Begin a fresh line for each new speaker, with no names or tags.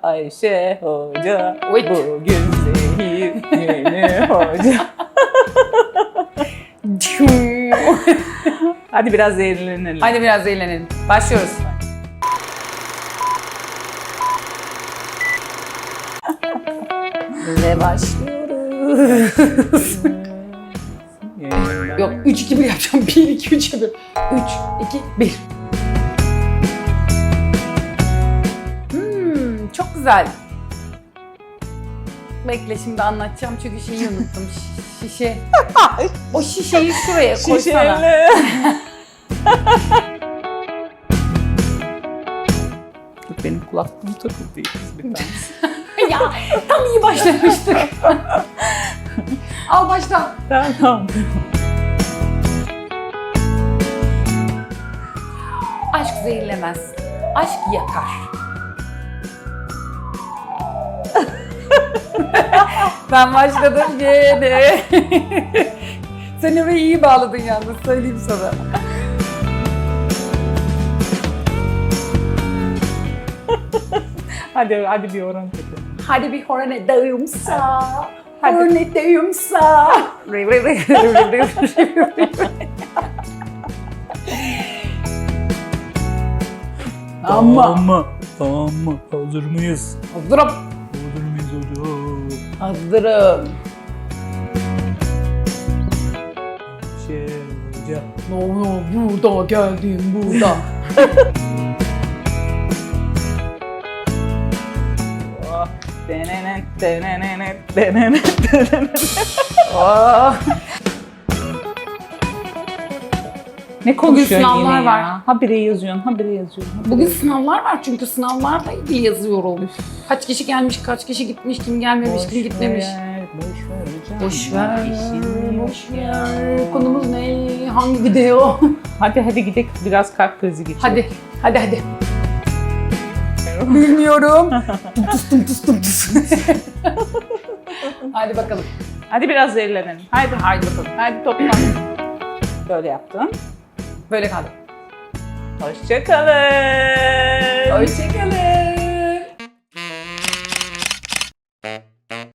Ayşe Hoca,
Oy.
bugün zehir yeni hoca. Hadi biraz zehirlenelim.
Hadi biraz eğlenelim. Başlıyoruz. Ve başlıyoruz. Yok 3-2-1 yapacağım. 1-2-3 yapıyorum. 3-2-1. Çok güzel. Bekle şimdi anlatacağım çünkü şeyi unuttum. Şişe. O şişeyi şuraya koysana.
Şişeyle. Dur, benim kulaklığım takıldı bir tanesi.
Ya tam iyi başlamıştık. Al başla.
Tamam.
Aşk zehirlemez. Aşk yakar. Ben başladım gene. Sen orayı iyi bağladın yalnız, söyleyeyim sana.
Hadi bir oran tepe.
Hadi bir horon edeyimsa. Horon edeyimsa. Ama.
Tamam mı? Hazır mıyız?
Hazırım.
Hazır mıyız hocam?
Hazırım.
Şey hocam.
No, burada geldim, burada.
Oh. Denenet, denenet, denenet, denenet.
Oh.
Ne konuşuyorsun
sınavlar
yine
var.
ya? Habire yazıyorsun, habire yazıyorsun.
Bugün sınavlar var çünkü sınavlarla ilgili yazıyorum. Kaç kişi gelmiş, kaç kişi gitmiş, kim gelmemiş, kim gitmemiş.
Boş ver hocam.
Boş ver,
İşini
boş ver. Konumuz ne? Hangi video?
Hadi gidelim, biraz kalp krizi geçirelim.
Hadi. Bilmiyorum. Tus. Hadi bakalım.
Hadi biraz zehirlenelim. Haydi
bakalım.
Hadi toplan. Böyle yaptın.
Böyle kaldı.
Hoşça kalın.
Hoşçakalın.